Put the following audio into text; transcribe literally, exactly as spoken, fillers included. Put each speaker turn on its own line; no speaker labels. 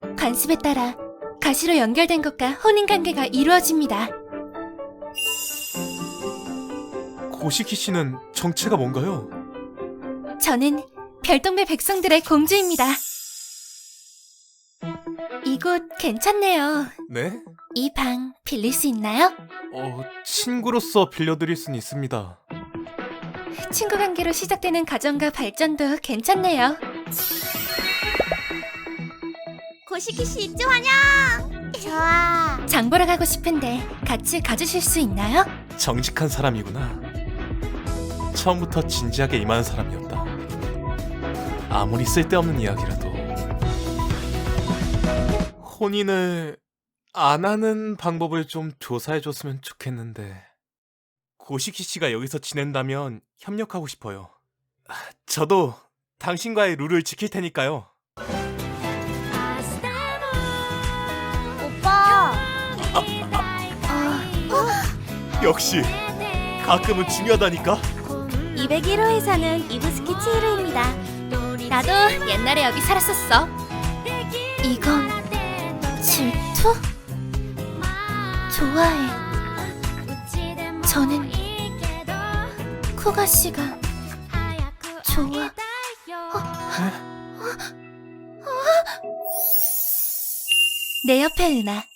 관습에 따라 가시로 연결된 것과 혼인관계가 이루어집니다.
고시키 씨는 정체가 뭔가요?
저는 별동배 백성들의 공주입니다. 이곳 괜찮네요.
네?
이 방 빌릴 수 있나요?
어, 친구로서 빌려드릴 순 있습니다.
친구 관계로 시작되는 가정과 발전도 괜찮네요.
고시키 씨 입주 환영! 좋아.
장 보러 가고 싶은데 같이 가주실 수 있나요?
정직한 사람이구나. 처음부터 진지하게 임하는 사람이었다. 아무리 쓸데없는 이야기라도 혼인을 안 하는 방법을 좀 조사해줬으면 좋겠는데. 고시키 씨가 여기서 지낸다면 협력하고 싶어요. 저도 당신과의 룰을 지킬 테니까요.
오빠.
역시 가끔은 중요하다니까.
이백일 호에서는 이부스키 치히로입니다.
나도 옛날에 여기 살았었어. 이건 질투? 좋아해. 저는 쿠가 씨가 좋아. 내 옆에 은하.